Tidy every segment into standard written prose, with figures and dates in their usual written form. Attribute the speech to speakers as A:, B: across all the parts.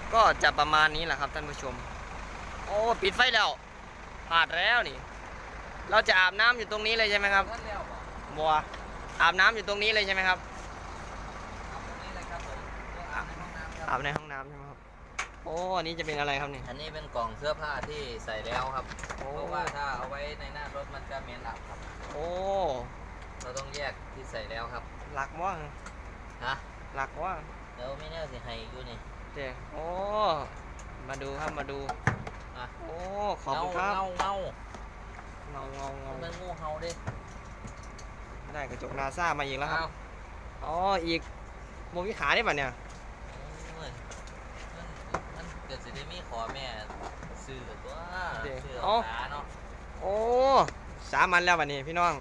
A: ก็จะประมาณนี้แหละครับท่านผู้ชมโอ้ปิดไฟแล้วพลาดแล้วนี่เราจะอาบน้ำอยู่ตรงนี้เลยใช่ไหมครับบัวอาบน้ำอยู่ตรงนี้เลยใช่ไหมครับอาบในห้องน้ำใช่ไหมครับโอ้อันนี้จะเป็นอะไรครับนี่
B: อันนี้เป็นกล่องเสื้อผ้าที่ใส่แล้วครับเพราะว่าถ้าเอาไว้ในหน้ารถมันจะเหม็นอับครับ
A: โอ้
B: เราต้องแยกที่ใส่แล้วครับ
A: หลักว่า
B: ฮะ
A: หลักว่า
B: เดี๋ยวไม่แน่สิให้อยู่นี่
A: เจ๊โอ้มาดูครับมาดู
B: อ่ะ
A: โอ้ขอบคุณครับ
B: เงา
A: เป็น
B: งูเห่าดิ
A: ได้กระจกนาซามาอีกแล้วครับอ๋ออีกโมวิขาได้ป่ะเนี่ย
B: มันเกิดสิได้มีขอแม่ซื้อตัวซื้อขาเนาะ
A: โอ้3 วันแล้ววันนี้พี่น้อง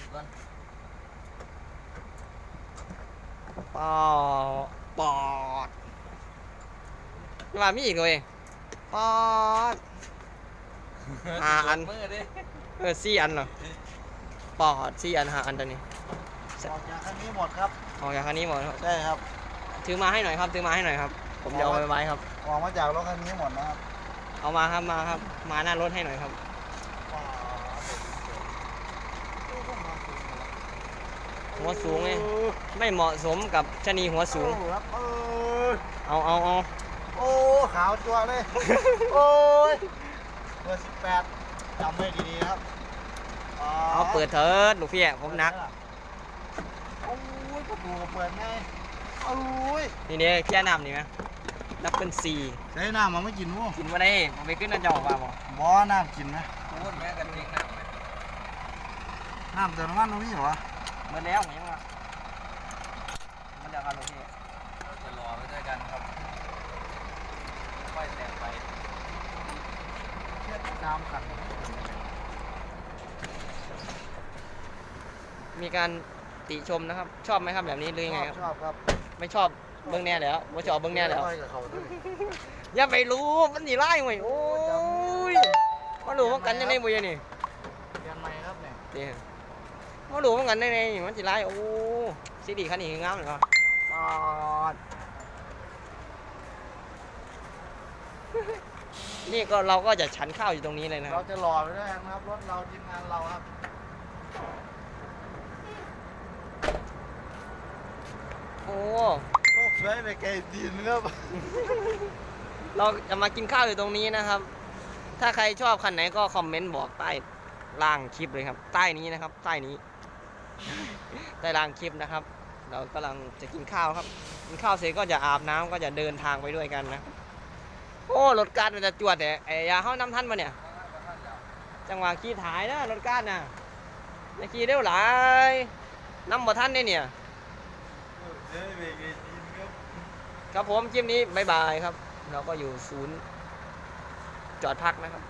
A: ปอดว่ามีอีกเลยปอดอัน4 อันเหรอปอด4 อัน5 อันตัวนี้
C: ออกจากคันนี้หมดครับ
A: ออกจากคันนี้หมด
C: ใช่ครับ
A: ถือมาให้หน่อยครับถือมาให้หน่อยครับผมจะเอาไปไว้ครับ
C: ออกมาจากรถคันนี้หมดนะครับ
A: เอามาครับมาครับมาหน้ารถให้หน่อยครับหัวสูงเลยไม่เหมาะสมกับชะนีหัวสูงเอา
C: โอ้ขาวตัวเลยโอ้ยเบอร์18จำไว้ดีๆครับ
A: เอาเปิดเถิดลูกพี่ผมนัก
C: โอ้ยประตูเปิดไงโอ้ย
A: นี่แค่น้ำนี่ไหมนับเป็น4
C: ใช้น้ำมันไม่กินมั้ง
A: กินมาได้ผมไปขึ้นน้ำจอกว่า
C: บ่น้ำกินไหม
B: พูดแม่กันเอง
C: น้ำเติมน้ำมันตรงนี้เหรอ
A: เมื่อแล้วผมยังว่ามันจะกันลูกพี่
B: เราจะรอไปด้วยกันครับค่อยแต่งไป
C: เทียบน้ำกัน
A: มีการติชมนะครับชอบไหมครับแบบนี้หรือยังไงครับ
C: ชอบครับ
A: ไม่ชอบเบื้องแน่แล้วไม่ชอบเบื้องแน่แล้วอย่าไปรู้มันหนีไล่หน่อยโอ้ยมาดูว่ากันยังไงบุยนี่
C: เรียนใหม่ครับเนี่ย
A: มาดูว่ากันยังไงมันหนีไล่โอ้ซีดีคันนี้งามเลยครับนี่ก็เราก็จะฉันข้าวอยู่ตรงนี้เลยนะ
C: เราจะหล่อไปด้วยครับรถเราทีมงานเราครับ
A: โอ้
C: สวยไปไกลดินครับ
A: เราจะมากินข้าวอยู่ตรงนี้นะครับ ถ้าใครชอบคันไหนก็คอมเมนต์บอกใต้ล่างคลิปเลยครับใต้นี้นะครับใต้นี้ใต้ล่างคลิปนะครับเรากำลังจะกินข้าวครับกินข้าวเสร็จก็จะอาบน้ำก็จะเดินทางไปด้วยกันนะโอ้รถการมันจะจวดแต่ไอ้ยาเข้าน้ำท่านมาเนี่ยจังหวะขี่ถ่ายนะรถการน่ะจะขี่เร็วหลายน้ำบ่ท่านได้เนี่ยครับผมคลิปนี้บ๊ายบายครับเราก็อยู่ศูนย์จอดพักนะครับ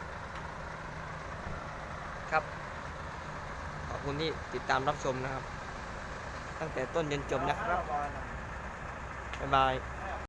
A: ครับขอบคุณที่ติดตามรับชมนะครับตั้งแต่ต้นจนจบนะครับบ๊ายบาย